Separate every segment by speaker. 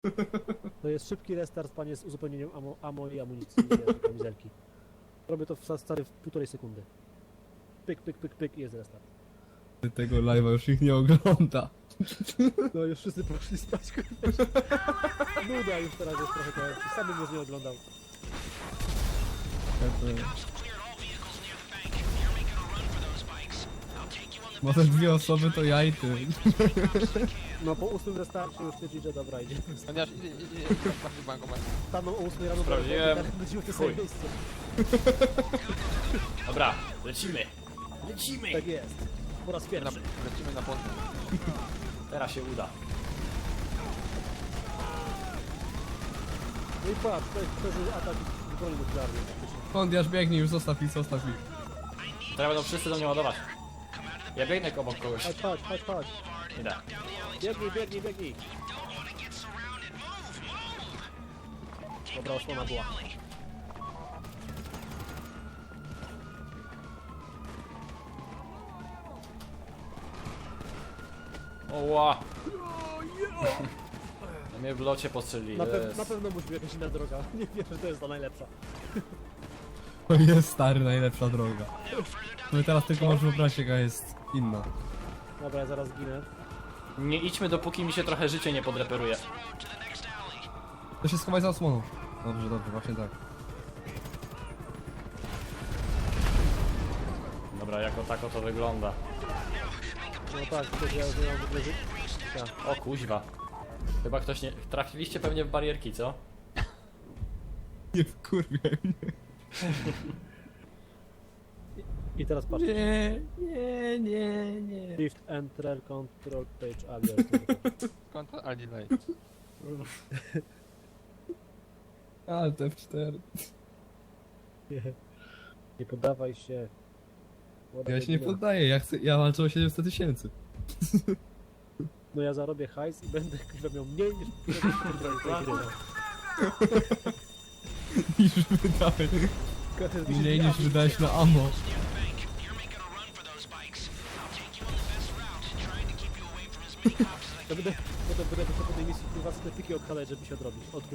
Speaker 1: To jest szybki restart, panie, z uzupełnieniem ammo i amunicji kamizelki. Robię to stary w 1,5 sekundy. Pyk, pyk, pyk, pyk i jest restart.
Speaker 2: Tego live'a już ich nie ogląda.
Speaker 1: No już wszyscy poszli spać, nuda już teraz jest trochę, to sam bym już nie oglądał.
Speaker 2: Może dwie osoby to ja i ty.
Speaker 1: No po 8 restarcie już stwierdzi, że dobra, idzie.
Speaker 3: Chociaż idzie na bankomat.
Speaker 1: Staną o 8 rano,
Speaker 4: Sprawdziłem.
Speaker 1: tak będziemy w tym samym miejscu.
Speaker 4: Dobra, lecimy. Lecimy.
Speaker 1: Tak jest. Po raz pierwszy.
Speaker 3: Lecimy na podwórz.
Speaker 4: Teraz się uda.
Speaker 1: No i patrz, to jest przeżył atak broni nuklearnej praktycznie.
Speaker 2: Kondiasz biegnij, już zostaw ich, zostaw ich.
Speaker 4: Teraz będą wszyscy do mnie ładować. Ja biegnę obok kogoś.
Speaker 1: Chodź, chodź, chodź, chodź.
Speaker 4: Nie da.
Speaker 1: Biegnij, biegnij, biegnij. Dobra, osłona była.
Speaker 4: Oła. No mnie w locie postrzelili.
Speaker 1: Na pewno musi być jakaś inna droga. Nie wiem, że to jest ta najlepsza.
Speaker 2: To jest stary, najlepsza droga. My teraz tylko możesz wyobrazić, jaka jest inna.
Speaker 1: Dobra, ja zaraz ginę.
Speaker 4: Nie idźmy dopóki mi się trochę życie nie podreperuje.
Speaker 2: To się schowaj za osłoną. Dobrze, dobrze, właśnie tak.
Speaker 4: Dobra, jako tako to wygląda.
Speaker 1: No tak, to ja już nie mam w ogóle życia.
Speaker 4: O kuźwa. Chyba ktoś nie... Trafiliście pewnie w barierki, co?
Speaker 2: Nie wkurwiaj mnie.
Speaker 1: I teraz patrz.
Speaker 2: Nie.
Speaker 1: Shift, Enter, Control, Page, Alias.
Speaker 3: Konto Alilej.
Speaker 2: Ale te F4.
Speaker 1: Nie poddawaj się.
Speaker 2: Ja się nie poddaję, ja walczę o 700 000.
Speaker 1: No ja zarobię hajs i będę chyba miał mniej niż
Speaker 2: Niż wydałeś. Mniej niż wydałeś na ammo.
Speaker 1: Ja będę po tej misji kurwa sklepiki odhalać, żeby się odrobić. Odkuć.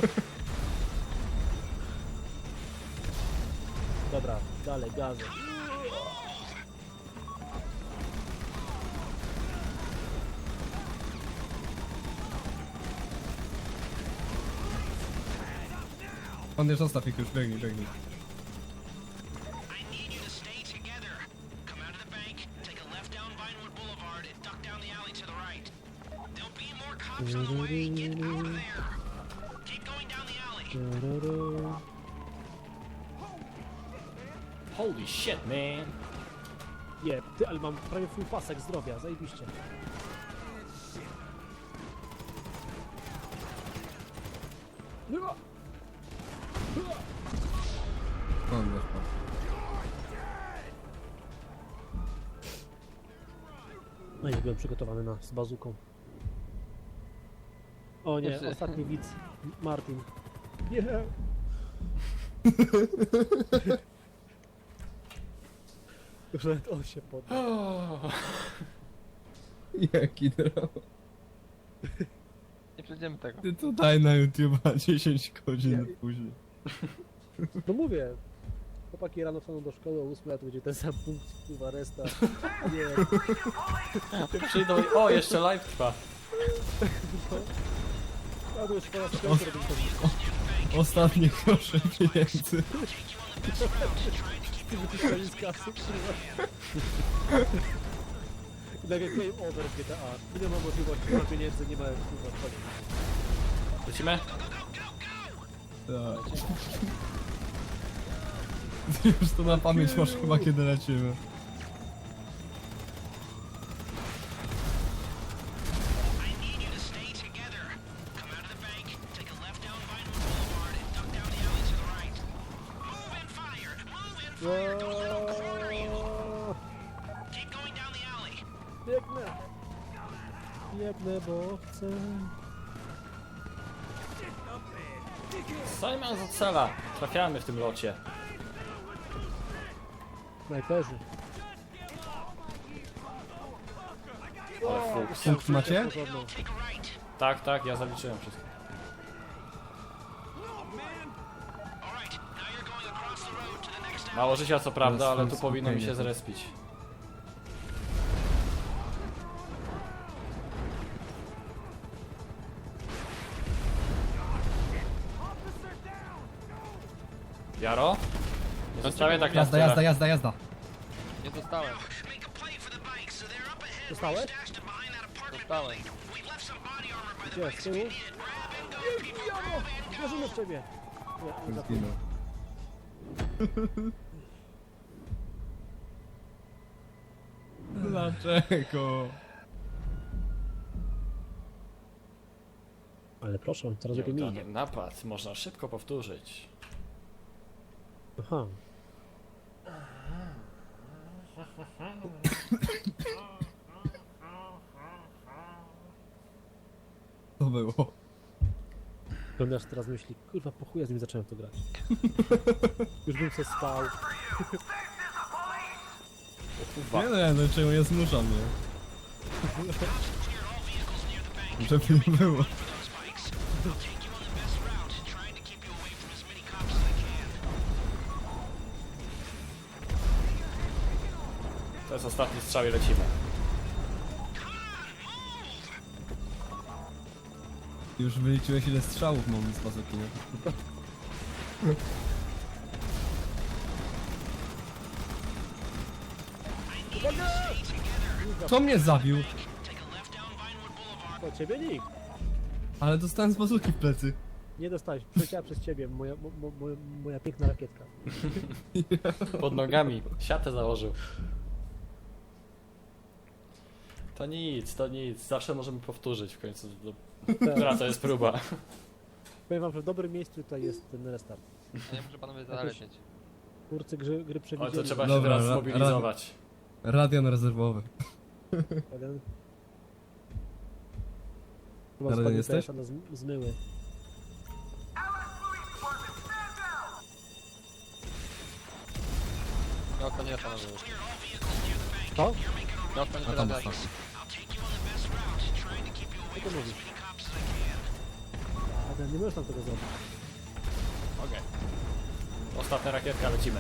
Speaker 1: Dobra, dalej, gazem.
Speaker 2: Kondiasz, zostaw ich już, biegnij, biegnij.
Speaker 4: Holy shit, man.
Speaker 1: Nie, ty, ale mam prawie full pasek zdrowia, zajebiście.
Speaker 2: Kondiasz, pan.
Speaker 1: No i byłem przygotowany z bazuką. O nie,
Speaker 3: Jeszcze-
Speaker 1: ostatni widz. Martin. Nie. Już nawet on się poddał.
Speaker 2: Jaki dramat.
Speaker 3: Nie przejdziemy tego.
Speaker 2: Ty to daj na YouTube'a 10 godzin później.
Speaker 1: No mówię. Chłopaki rano wstaną do szkoły o 8, a to będzie ten sam punkt, kurwa, resta. Nie.
Speaker 4: Przyjdą i... O, jeszcze live trwa.
Speaker 1: A to już po raz piąty robię to.
Speaker 2: Ostatnie grosze pieniędzy.
Speaker 1: Ty wyciskali z kasy, kurwa. I nagle game over w GTA. Nie ma możliwości, nie ma pieniędzy, nie ma kurwa wchodu.
Speaker 4: Lecimy?
Speaker 2: Tak. Ty już to na pamięć masz chyba, kiedy lecimy.
Speaker 1: Biegnę! Biegnę, bo chcę...
Speaker 4: Simon z cela. Trafiamy w tym locie.
Speaker 1: Snajperzy.
Speaker 4: Ale fuks.
Speaker 2: Punkt macie?
Speaker 1: Porządną.
Speaker 4: Tak, tak, ja zaliczyłem wszystko. Mało życia co prawda, ale tu
Speaker 2: Teraz
Speaker 4: powinno mi się
Speaker 2: spokojnie.
Speaker 4: zrespić. Jaro? Nie zostawię tak na
Speaker 2: Jazda,
Speaker 4: tyle.
Speaker 2: jazda, jazda, jazda.
Speaker 3: Nie dostałem.
Speaker 1: Dostałeś?
Speaker 3: Dostałem.
Speaker 1: Gdzie? Z tyłu? Jezu, Jaro! Wierzymy w ciebie! Nie, nie
Speaker 2: Zginął. Dlaczego?
Speaker 1: Ale proszę, coraz lepiej mi idzie.
Speaker 4: Nieudany napad można szybko powtórzyć.
Speaker 1: Aha.
Speaker 2: To było.
Speaker 1: Oglądasz teraz myśli, kurwa po chuja z nim zacząłem w to grać. Już bym se spał.
Speaker 2: Nie no, czemu nie zmusza mnie? Żeby nie było.
Speaker 4: To jest ostatni strzał i lecimy.
Speaker 2: Już wyliczyłeś ile strzałów mam z bazuki, nie? Kto mnie zabił?
Speaker 1: To ciebie nikt.
Speaker 2: Ale dostałem z bazuki w plecy.
Speaker 1: Nie dostałeś, przyleciała przez ciebie moja piękna rakietka.
Speaker 4: Pod nogami. Siatę założył. To nic, to nic. Zawsze możemy powtórzyć w końcu. Która to jest próba.
Speaker 1: Powiem wam, że w dobrym miejscu tutaj jest ten restart.
Speaker 3: A nie muszę panowie zalecieć.
Speaker 1: Twórcy gry
Speaker 4: Oj, to
Speaker 1: przewidzieli.
Speaker 4: trzeba się
Speaker 2: Dobra,
Speaker 4: teraz zmobilizować.
Speaker 2: Radion rezerwowy.
Speaker 1: Jeden. Chyba
Speaker 2: Na razie
Speaker 1: spadnie
Speaker 2: jesteś?
Speaker 1: PS-a na zmyły.
Speaker 3: No to nie panowie już.
Speaker 1: Co?
Speaker 3: No to nie
Speaker 2: A tam
Speaker 3: teraz
Speaker 2: ostatni.
Speaker 1: Co ty mówisz? Adam, nie możesz tam tego zrobić.
Speaker 4: Okej. Ostatnia rakietka, lecimy.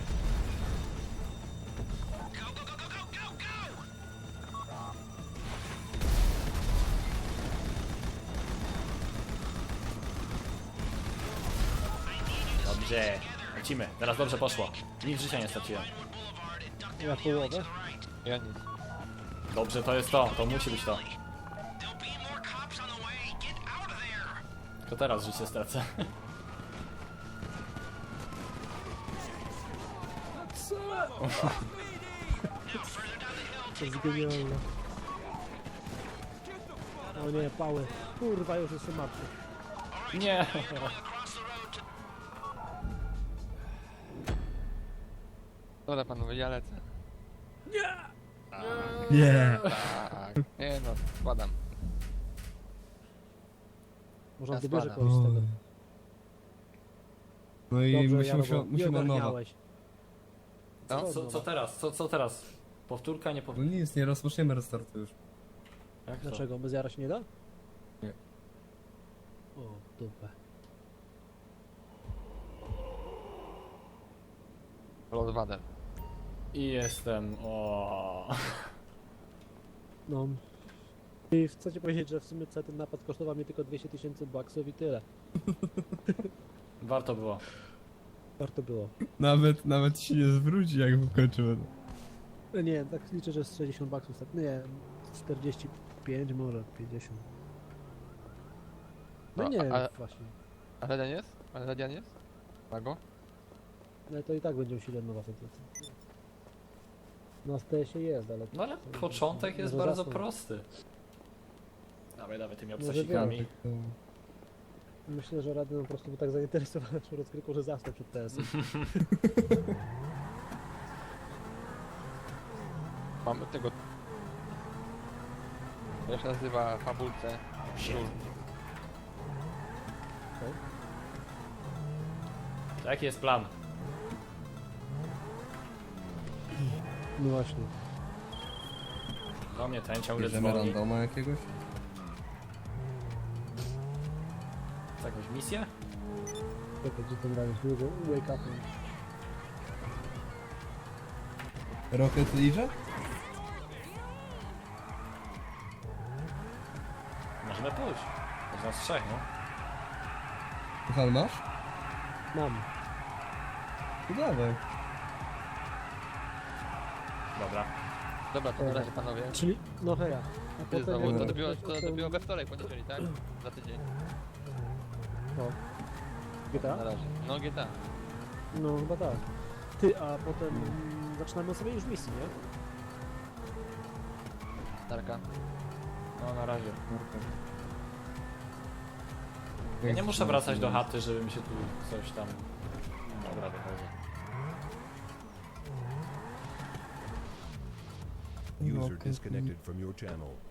Speaker 4: Dobrze. Lecimy. Teraz dobrze poszło. Nic życia nie straciłem.
Speaker 1: Ja połowę.
Speaker 3: Ja nic.
Speaker 4: Dobrze, to jest to. To musi być to. To teraz życie stracę.
Speaker 1: To jest genialne. O nie, pały. Kurwa, już jestem martwy.
Speaker 4: Nie.
Speaker 3: Dobra panowie, ja lecę.
Speaker 2: Nie.
Speaker 3: Tak. Nie no, składam.
Speaker 1: Można
Speaker 3: Ja
Speaker 1: wybierze
Speaker 3: spadam.
Speaker 1: kogoś z tego.
Speaker 2: No i
Speaker 1: Dobrze,
Speaker 2: musimy od nowa.
Speaker 1: ogarniałeś.
Speaker 3: No?
Speaker 4: Co teraz? Co teraz? Powtórka, nie
Speaker 2: No
Speaker 4: powtórka?
Speaker 2: nic, nie rozpoczniemy restartu już.
Speaker 4: Jak to?
Speaker 1: Dlaczego? Bez jara się nie da?
Speaker 2: Nie.
Speaker 1: O, dupę.
Speaker 3: Lord Vader.
Speaker 4: I jestem. O.
Speaker 1: No. I chcecie powiedzieć, że w sumie cały ten napad kosztował mnie tylko 200 000 baksów i tyle.
Speaker 4: Warto było.
Speaker 1: Warto było.
Speaker 2: Nawet się nie zwróci, jak wykończymy.
Speaker 1: Nie, tak liczę, że z 60 baksów, tak, nie, 45 może, 50. No
Speaker 3: No,
Speaker 1: nie wiem,
Speaker 3: ale-
Speaker 1: właśnie.
Speaker 3: A Radian jest? A Radian jest? Mago?
Speaker 1: Ale to i tak będzie musieli od nowa sentencja. Na STS-ie jest, ale...
Speaker 4: No ale początek jest
Speaker 1: Może
Speaker 4: bardzo
Speaker 1: zasnął.
Speaker 4: prosty. Dawaj tymi
Speaker 1: Może
Speaker 4: obsasikami.
Speaker 1: Myślę, że Raden po prostu był tak zainteresowany naszą rozgrywką, że zasnął przed TS-em.
Speaker 3: Mamy tego... To się nazywa fabulce. Król.
Speaker 4: To jaki jest plan?
Speaker 1: No właśnie.
Speaker 4: Do mnie ten ciągle
Speaker 2: Bierzemy
Speaker 4: dzwoni.
Speaker 2: randoma jakiegoś?
Speaker 4: Z jakąś misję?
Speaker 1: Czekaj, gdzie ten gramy? Wake up.
Speaker 2: Rocket League?
Speaker 4: Możemy pójść. To z nas trzech, no.
Speaker 2: Puchal masz?
Speaker 1: Mam.
Speaker 2: To dawaj.
Speaker 4: Dobra.
Speaker 3: Dobra, to na razie panowie.
Speaker 1: Czyli, no heja. A
Speaker 3: Ty znowu,
Speaker 1: jak-
Speaker 3: to dobiło we wtorek, poniedziałek, tak? Za tydzień.
Speaker 1: No.
Speaker 3: Na
Speaker 1: GTA?
Speaker 3: razie. No GTA.
Speaker 1: No chyba tak. Ty, a potem zaczynamy sobie już misję, nie?
Speaker 3: Tarka.
Speaker 4: No na razie. Ja nie muszę wracać do chaty, żeby mi się tu coś tam... Dobra, wychodzę.
Speaker 5: User disconnected from your channel.